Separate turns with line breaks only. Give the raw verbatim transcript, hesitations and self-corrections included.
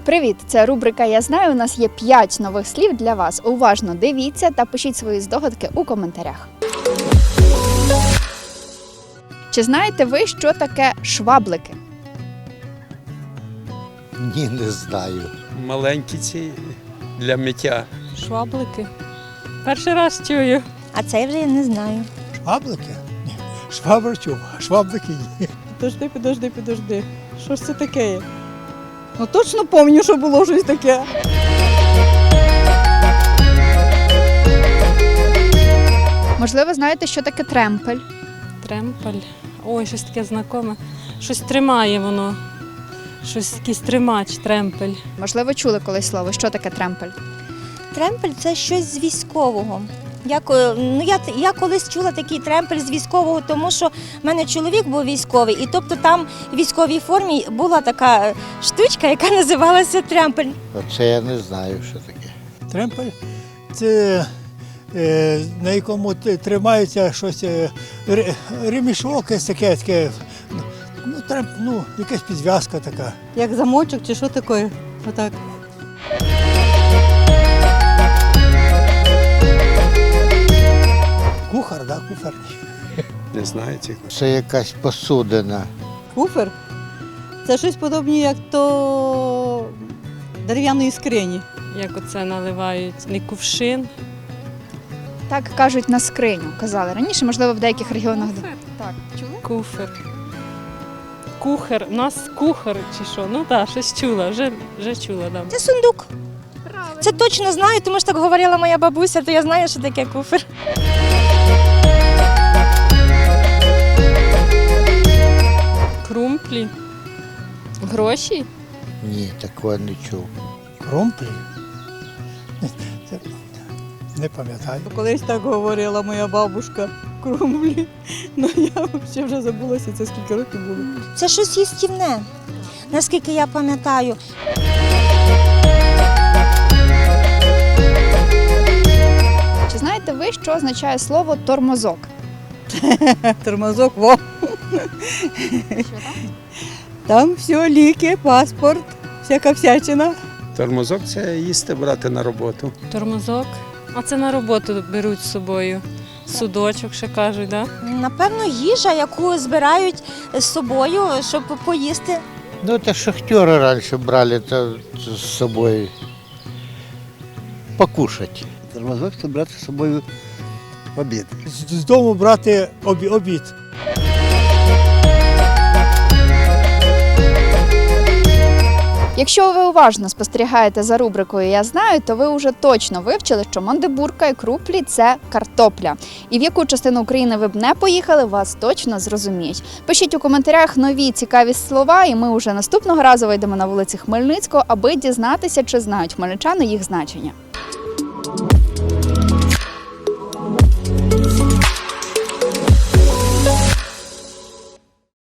Привіт! Це рубрика «Я знаю». У нас є п'ять нових слів для вас. Уважно дивіться та пишіть свої здогадки у коментарях. Чи знаєте ви, що таке шваблики?
Ні, не знаю.
Маленькі ці для миття.
Шваблики. Перший раз чую.
А це я вже не знаю.
Шваблики? Ні. Швабр чув, а шваблики ні.
Підожди, підожди, підожди. Що ж це таке є? Ну точно пам'ятаю, що було щось таке.
Можливо, знаєте, що таке тремпель?
Тремпель. Ой, щось таке знакоме. Щось тримає воно. Щось якийсь тримач, тремпель.
Можливо, чули колись слово, що таке тремпель?
Тремпель – це щось з військового. Я, ко- ну, я, я колись чула такий тремпель з військового, тому що в мене чоловік був військовий, і тобто там в військовій формі була така штучка, яка називалася тремпель.
Оце я не знаю, що таке.
Тремпель – це е, на якому т- тримається щось, е, ре- ремішок, якесь таке, таке, ну, тремп, ну, якась підв'язка така.
Як замочок чи що таке? Отак.
Кухар, да, кухар.
Не знаю цих.
Це якась посудина.
Куфер. Це щось подобне, як то дерев'яної скрині. Як оце наливають, не кувшин.
Так кажуть на скриню, казали раніше, можливо, в деяких регіонах. Так, чули?
Куфер. Кухар. У нас кухар чи що? Ну так, щось чула, вже, вже чула. Да.
Це сундук. Це точно знаю, тому що так говорила моя бабуся, то я знаю, що таке куфер.
Крумплі. Гроші.
Ні, такого не чув.
Кромплі? Це, не пам'ятаю.
Колись так говорила моя бабушка. Крумплі. Ну я взагалі вже забулася, це скільки років було.
Це щось їстівне, наскільки я пам'ятаю.
Чи знаєте ви, що означає слово тормозок?
Тормозок, во. Там все, ліки, паспорт, всяка всячина.
Тормозок це їсти брати на роботу.
Тормозок. А це на роботу беруть з собою. Судочок ще кажуть, так? Да?
Напевно, їжа, яку збирають з собою, щоб поїсти.
Ну, це шахтери раніше брали та, з собою покушати.
Тормозок – це брати з собою обід.
З, з дому брати обі, обід.
Якщо ви уважно спостерігаєте за рубрикою «Я знаю», то ви вже точно вивчили, що мандибурка і круплі – це картопля. І в яку частину України ви б не поїхали, вас точно зрозуміють. Пишіть у коментарях нові цікаві слова, і ми вже наступного разу вийдемо на вулиці Хмельницького, аби дізнатися, чи знають хмельничани їх значення.